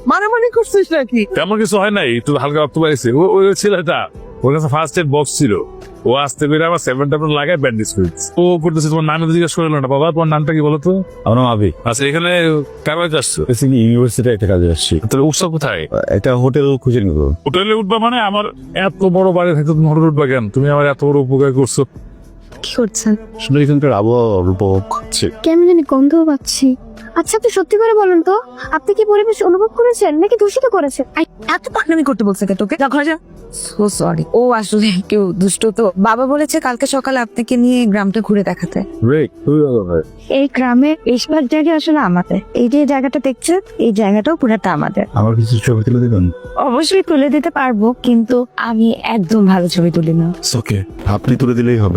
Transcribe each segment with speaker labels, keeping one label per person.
Speaker 1: মারামারি করছিস নাকি?
Speaker 2: তেমন কিছু হয় নাই, একটু হালকা রক্ত পাইছে। ওই ছেলেটা, ওর কাছে ফার্স্ট এড বক্স ছিল, ও আসতে পেরে আমার 7 ট্যাবলেট লাগায় ব্যান্ডেজ করেছে। ও করতেছে, তোমার নাম জিজ্ঞেস করলো না। বাবা তোমার নামটা কি বলো তো?
Speaker 3: আমার নাম আবি।
Speaker 2: আচ্ছা, এখানে কাগজ আসছো?
Speaker 3: বেসিক্যালি ইউনিভার্সিটি একটা কাজে আসছি।
Speaker 2: তাহলে উৎসব কোথায়?
Speaker 3: একটা হোটেল খুঁজে নিব।
Speaker 2: হোটেলে উঠবা মানে? আমার এত বড় বাড়ি থাকতে তুমি হোটেল উঠবা কেন? তুমি আমার এত বড় উপকার করছো।
Speaker 4: কি করছেন?
Speaker 3: আসলে এখানকার আবহাওয়া উপভোগ করছি।
Speaker 4: কেমন জানি গন্ধও পাচ্ছি। আচ্ছা, আপনি সত্যি করে বলুন তো, আপনি কি পরিবেশ অনুভব করেছেন নাকি দূষিত করেছেন?
Speaker 1: এত পাকনামি করতে বলছে কে তোকে? যা ঘরে যা। সো সরি, ও আসলে কেউ দুষ্ট তো। বাবা বলেছে কালকে সকালে আপনাকে নিয়ে গ্রামটা ঘুরে দেখাতে।
Speaker 4: এই গ্রামে বেশিরভাগ জায়গা আসলে আমাদের। এই যে জায়গাটা দেখছেন, এই জায়গাটাও পুরাটা আমাদের।
Speaker 3: আমার কিছু ছবি তুলে দেবেন?
Speaker 4: অবশ্যই তুলে দিতে পারবো, কিন্তু আমি একদম ভালো ছবি তুলি না।
Speaker 3: ওকে, আপনি তুলে দিলেই হবে।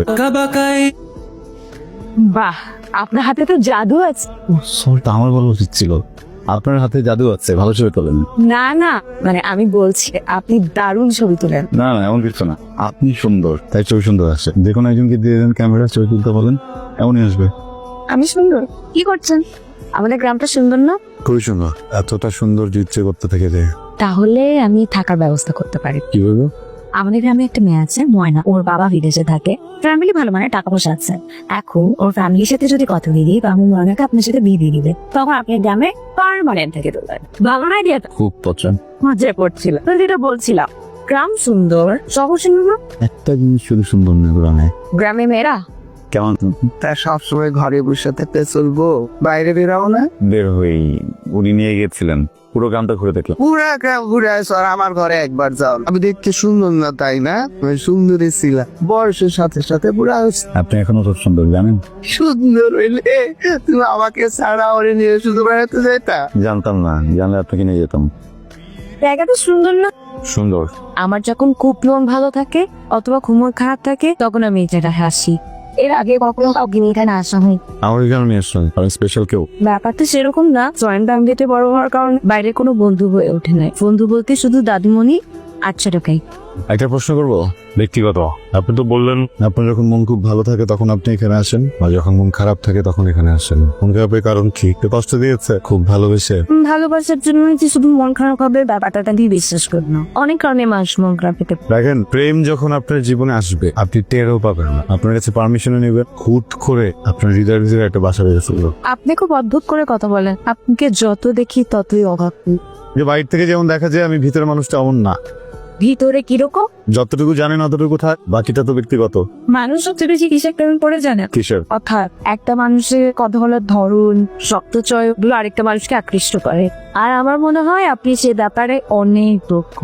Speaker 4: বাহ, আপনার হাতে তো জাদু আছে।
Speaker 3: সরটা আমার বলা উচিত ছিল। আপনার হাতে জাদু আছে, ভালো ছবি তোলেন।
Speaker 4: না না, মানে আমি বলছি আপনি দারুণ ছবি তোলেন।
Speaker 3: না না, এমন কিছু না। আপনি সুন্দর, তাই ছবি সুন্দর আসে। দেখুন, একজনকে দিয়ে দেন ক্যামেরা, ছবি তুলতে বলেন, এমনই আসবে।
Speaker 4: আমি সুন্দর? কি করছেন? আমাদের গ্রামটা সুন্দর না?
Speaker 3: খুবই সুন্দর। এতটা সুন্দর যে ইচ্ছে করতে থেকে যায়।
Speaker 4: তাহলে আমি থাকার ব্যবস্থা করতে পারি।
Speaker 3: কি বলবো?
Speaker 4: আমাদের গ্রামে একটা মেয়ে আছে, ময়না। ওর বাবা বিদেশে থাকে, ফ্যামিলি ভালো, মানে টাকা পয়সা আছে। এখন ওর ফ্যামিলির সাথে যদি কথা দিয়ে দিই, আমি ময়নাকে আপনার সাথে বিয়ে দিয়ে দিবে, তখন আপনি গ্রামে পার্মানেন্ট থেকে তোলেন। ভালো আইডিয়াটা?
Speaker 3: খুব পছন্দ।
Speaker 4: মজা করছিল তো, যেটা বলছিলাম, গ্রাম সুন্দর, শহর সুন্দর না?
Speaker 3: একটা জিনিস শুধু সুন্দর না গ্রামে।
Speaker 4: গ্রামে মেয়েরা
Speaker 3: কেমন?
Speaker 1: তা সবসময় ঘরে বসে থাকতে চলবো? বাইরে বেরাও না?
Speaker 3: বের হই, উনি নিয়ে গেছিলেন, পুরো গ্রামটা ঘুরে দেখলাম।
Speaker 1: পুরা গ্রাম ঘুরে আসো আর আমার ঘরে একবার যাও। আমি দেখতে সুন্দর না তাই না? তুমি সুন্দরী ছিলা, বয়সের সাথে সাথে পুরা
Speaker 3: আপনি এখনো তো সুন্দর, জানেন?
Speaker 1: সুন্দর হইলে তুমি আমাকে ছাড়া ওরে নিয়ে শুধু বেড়াতে যেতা?
Speaker 3: জানতাম না, জানলে আপনাকে নিয়ে যেতাম।
Speaker 4: জায়গাটা সুন্দর না?
Speaker 3: সুন্দর।
Speaker 4: আমার যখন খুব মন ভালো থাকে অথবা খুব মন খারাপ থাকে, তখন আমি এই জায়গায় হাসি। এর আগে কখনো কাউকে নিয়ে এখানে আসা হয়?
Speaker 3: আমার এখানে নিয়ে আসলেন, কারণ স্পেশাল কেউ।
Speaker 4: ব্যাপারটা সেরকম না। জয়েন্ট ফ্যামিলিতে বড় হওয়ার কারণে বাইরে কোনো বন্ধু হয়ে ওঠে নাই। বন্ধু বলতে শুধু দাদুমণি, আচ্ছা ঢোকাই।
Speaker 3: একটা প্রশ্ন করবো?
Speaker 2: ব্যক্তিগত। আপনি তো বললেন
Speaker 3: আপনার যখন মন খুব ভালো থাকে তখন আপনি এখানে আসেন, আর যখন মন খারাপ থাকে তখন এখানে আসেন। মন খারাপের কারণ কি? কেউ কষ্ট দিয়েছে? খুব ভালোবেসে?
Speaker 4: ভালোবাসার জন্য যে শুধু মন খারাপ হবে, ব্যাপারটা দিয়ে বিশ্বাস করি না। অনেক কারণে মানুষ মন খারাপ পেতে পারে।
Speaker 3: দেখেন, প্রেম যখন আপনার জীবনে আসবে আপনি টেরও পাবেন না। আপনার কাছে পারমিশনে নেবেন, হুট করে আপনার হৃদয়ের ভিতরে একটা বাসা বেঁধে ফেললো।
Speaker 4: আপনি খুব অদ্ভুত করে কথা বলেন। আপনাকে যত দেখি ততই অভাব।
Speaker 3: যে বাইরে থেকে যেমন দেখা যায়, আমি ভিতরের মানুষটা অমন না।
Speaker 4: ভিতরে কিরকম?
Speaker 3: যতটুকু জানেন অতটুকু থাক, বাকিটা তো ব্যক্তিগত।
Speaker 4: মানুষ সবচেয়ে বেশি কিসের প্রেমে পড়ে জানে?
Speaker 3: কিসের?
Speaker 4: অর্থাৎ একটা মানুষের কথা বলার ধরন, শক্তচয় গুলো আরেকটা মানুষকে আকৃষ্ট করে। আর আমার মনে হয় আপনি সে ব্যাপারে অনেক দক্ষ।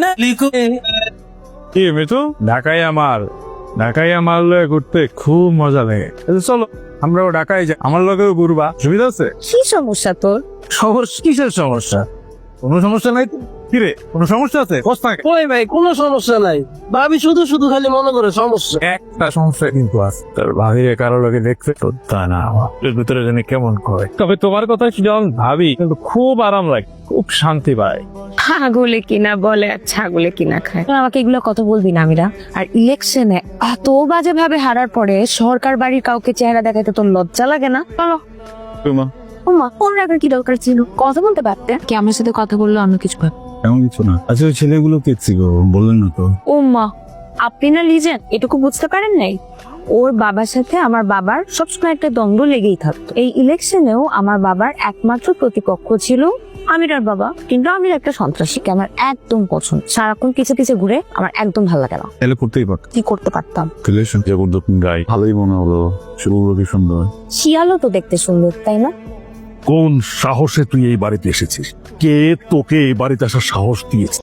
Speaker 2: কি মিঠু, ঢাকায় আমার লয়ে ঘুরতে খুব মজা লাগে। চলো আমরাও ঢাকায় যাই, আমার লগেও ঘুরবা, সুবিধা আছে?
Speaker 4: কি সমস্যা তোর?
Speaker 2: সমস্যা? কিসের সমস্যা? কোনো সমস্যা নাই তো? কিরে, কোনো সমস্যা আছে?
Speaker 1: ওই ভাই, কোনো সমস্যা নাই। ভাবি শুধু শুধু খালি মনে করে সমস্যা।
Speaker 2: একটা সমস্যা কিন্তু আছে, তার ভাবিরে কারো লোকে দেখতে তো তা না, আমার ভিতরে জানি কেমন করে। তবে তোমার কথা যখন ভাবি, কিন্তু খুব আরাম লাগে, খুব শান্তি পায়।
Speaker 4: ছাগলে কিনা বলে আর ছাগলে কিনা খায়। তোর আমাকে এগুলো কথা বলবি না আমিরা। আর ইলেকশনে এত বাজে ভাবে হারার পরে সরকার বাড়ির কাউকে চেহারা দেখাইতে তোর লজ্জা লাগে না? চলো। ওমা, ওর রাখার কি দরকার ছিল? কথা বলতে পারতে। কি আমার সাথে কথা বললো অন্য কিছু ভাব?
Speaker 3: এমন কিছু না। আচ্ছা, ওই ছেলেগুলো কে ছিল বললেন না তো?
Speaker 4: ওমা, আপনি না লিজেন, এটুকু বুঝতে পারেন নাই? ওর বাবার সাথে আমার বাবার সবসময় একটা দ্বন্দ্ব লেগেই থাকতো। এই ইলেকশনেও আমার বাবার একমাত্র প্রতিপক্ষ ছিল আমিরার বাবা। কিন্তু আমির একটা সন্ত্রাসীকে আমার একদম পছন্দ। সারাক্ষণ পিছে পিছে ঘুরে, আমার একদম ভালো লাগে না।
Speaker 3: তাহলে করতেই পারত।
Speaker 4: কি করতে পারতাম?
Speaker 3: রিলেশন জবরদস্ত গাই, ভালোই মনে হলো। শুভগুলো কি সুন্দর।
Speaker 4: শিয়ালও তো দেখতে সুন্দর, তাই না?
Speaker 2: কোন সাহসে তুই এই বাড়িতে এসেছিস? কে তোকে এই বাড়িতে আসার সাহস দিয়েছে?